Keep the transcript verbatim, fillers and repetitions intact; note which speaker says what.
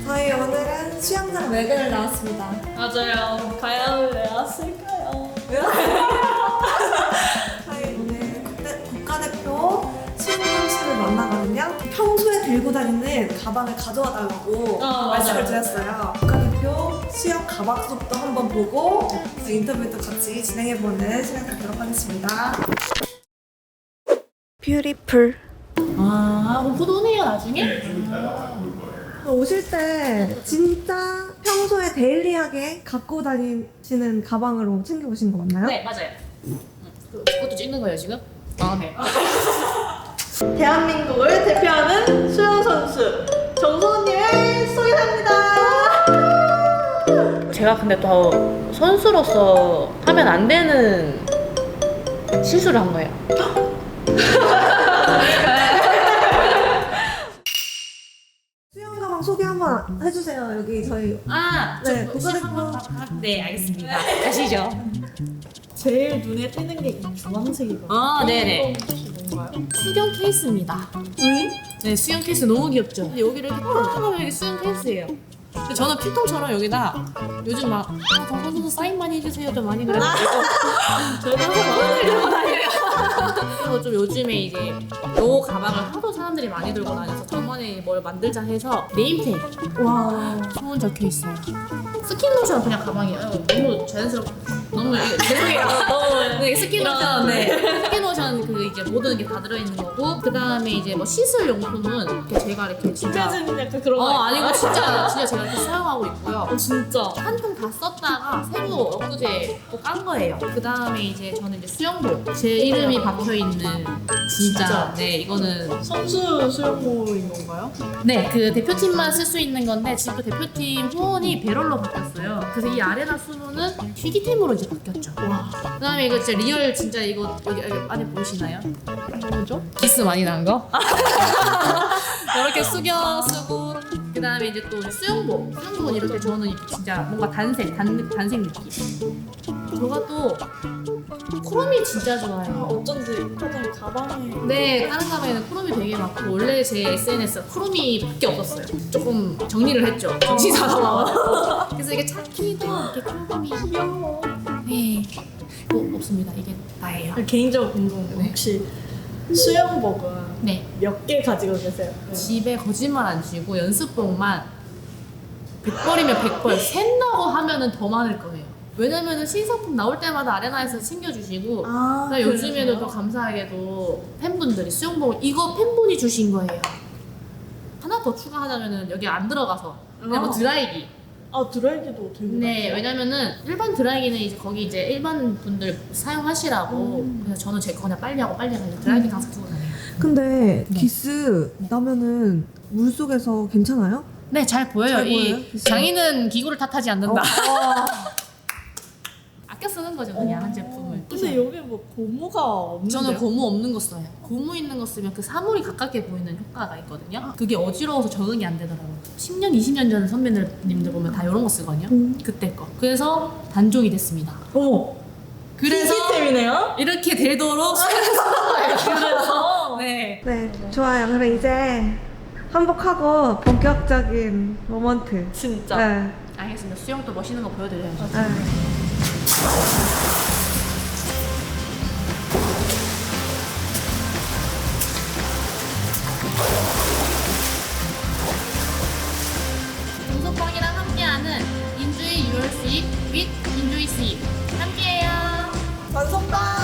Speaker 1: 저희 오늘은 수영장 외근을 나왔습니다.
Speaker 2: 맞아요. 과연 왜 왔을까요?
Speaker 1: 저희 오늘 국대, 국가대표 수영 선수를 만나거든요. 평소에 들고 다니는 가방을 가져와 달라고
Speaker 2: 어,
Speaker 1: 말씀을
Speaker 2: 맞아요.
Speaker 1: 드렸어요. 국가대표 수영 가방 수업도 한번 보고 인터뷰도 같이 진행해보는 시간 갖도록 하겠습니다. 뷰티풀.
Speaker 2: 아, 그럼 곧 오네요, 나중에?
Speaker 1: 오실 때 진짜 평소에 데일리하게 갖고 다니시는 가방으로 챙겨오신 거 맞나요?
Speaker 2: 네, 맞아요. 음, 그- 그것도 찍는 거예요, 지금? 아, 네.
Speaker 3: 대한민국을 대표하는 수영 선수 정소은님을 소개합니다.
Speaker 2: 제가 근데 또 선수로서 하면 안 되는 실수를 한 거예요.
Speaker 1: 수영 가방 소개 한번 해주세요. 여기 저희
Speaker 2: 아,
Speaker 1: 네,
Speaker 2: 저
Speaker 1: 국가대표.
Speaker 2: 한번 네, 알겠습니다. 아시죠?
Speaker 3: 제일 눈에 띄는 게 이 주황색이거든요.
Speaker 2: 아, 네네.
Speaker 3: 뭔가요?
Speaker 2: 수경 케이스입니다.
Speaker 3: 응?
Speaker 2: 네, 수영 케이스 너무 귀엽죠? 근데 여기를 이렇게 딱 하면 여기 수영 케이스예요. 근데 저는 필통처럼 여기다 요즘 막 아, 정선수 사인 많이 해주세요 좀 많이 그래가지고 저희도 항상 많이 들고 다녀요. 그래서 좀 요즘에 이제 요 가방을 하도 사람들이 많이 들고 다녀서 저번에 뭘 만들자 해서 네임테이프
Speaker 1: 와
Speaker 2: 소문 적혀 있어요. 스킨로션 그냥 가방이에요. 너무 자연스럽고 너무 이게 죄송해요. 너무 네, 스킨로션 네 스킨로션 그 이제 모든 게 다 들어있는 거고 그 다음에 이제 뭐 씻을 용품은 이렇게 제가 이렇게 진짜
Speaker 3: 찢어지는 약간 그런
Speaker 2: 어
Speaker 3: 거
Speaker 2: 아니고 진짜 진짜 제가 이렇게 사용하고 있고요.
Speaker 3: 어, 진짜.
Speaker 2: 한 통 다 썼다가 새로 엊그제 또 깐 거예요. 그 다음에 이제 저는 이제 수영복 제 이름이 박혀 있는 진짜,
Speaker 3: 진짜?
Speaker 2: 네 이거는
Speaker 3: 선수 수영복인 건가요?
Speaker 2: 네 그 대표팀만 쓸 수 있는 건데 지금 그 대표팀 후원이 배럴로 바뀌었어요. 그래서 이 아레나 수문은 희귀템으로 이제 바뀌었죠. 와. 그 다음에 이거 진짜 리얼 진짜 이거 여기, 여기 안에 보이시나요?
Speaker 3: 뭐죠?
Speaker 2: 기스 많이 난 거? 이렇게 숙여 쓰고 그 다음에 이제 또 수영복 수영복은 이렇게 저는 진짜 뭔가 단색 단, 단색 느낌 저가 또 크롬이 진짜 좋아요.
Speaker 3: 어쩐지 사장님 가방에
Speaker 2: 네 다른 가방에는 크롬이 되게 많고 원래 제 에스엔에스가 크롬이 밖에 없었어요. 조금 정리를 했죠. 정신 사나워가지고 그래서 이게 차키도 이렇게 크롬이
Speaker 3: 귀여워.
Speaker 2: 네 뭐, 없습니다. 이게 나예요.
Speaker 3: 개인적으로 궁금해요.
Speaker 2: 네.
Speaker 3: 혹시 수영복은
Speaker 2: 네
Speaker 3: 몇 개 가지고 계세요?
Speaker 2: 집에 거짓말 안 치고 연습복만 백 벌이면 백 벌 샌다고 하면은 더 많을 거예요. 왜냐면은 신상품 나올 때마다 아레나에서 챙겨주시고
Speaker 3: 아,
Speaker 2: 그다음에 요즘에도 더 감사하게도 팬분들이 수영복을 이거 팬분이 주신 거예요. 하나 더 추가하자면은 여기 안 들어가서 그냥 뭐
Speaker 3: 아.
Speaker 2: 드라이기.
Speaker 3: 아 드라이기도 되게
Speaker 2: 네,
Speaker 3: 많아요.
Speaker 2: 왜냐면은 일반 드라이기는 이제 거기 이제 일반 분들 사용하시라고 그래서 저는 제 거 그냥 빨리 하고 빨리 하고 드라이기 항상 두고 다녀요.
Speaker 1: 근데
Speaker 2: 네.
Speaker 1: 기스 나면은 물 속에서 괜찮아요?
Speaker 2: 네, 잘 보여요.
Speaker 1: 잘
Speaker 2: 이
Speaker 1: 보여요? 기스?
Speaker 2: 장인은 기구를 탓하지 않는다.
Speaker 1: 어.
Speaker 2: 아껴 쓰는 거죠, 그냥 한 제품을.
Speaker 3: 근데 여기 뭐 고무가 없는데요?
Speaker 2: 저는 고무 없는 거 써요. 고무 있는 거 쓰면 그 사물이 가깝게 보이는 효과가 있거든요. 그게 어지러워서 적응이 안 되더라고요. 십 년, 이십 년 전 선배님들 보면 다 이런 거 쓰거든요.
Speaker 1: 음.
Speaker 2: 그때 거. 그래서 단종이 됐습니다.
Speaker 3: 어머
Speaker 2: 그래서
Speaker 3: 희귀템이네요?
Speaker 2: 이렇게 되도록 그래서 네.
Speaker 1: 네 좋아요. 그럼 이제 한복하고 본격적인 모먼트.
Speaker 3: 진짜
Speaker 1: 네.
Speaker 2: 알겠습니다. 수영 또 멋있는 거 보여드려야죠.
Speaker 1: 네.
Speaker 2: 동석방이랑 함께하는 인주이 유월 수입 with 인주이 수입 함께해요.
Speaker 3: 완성다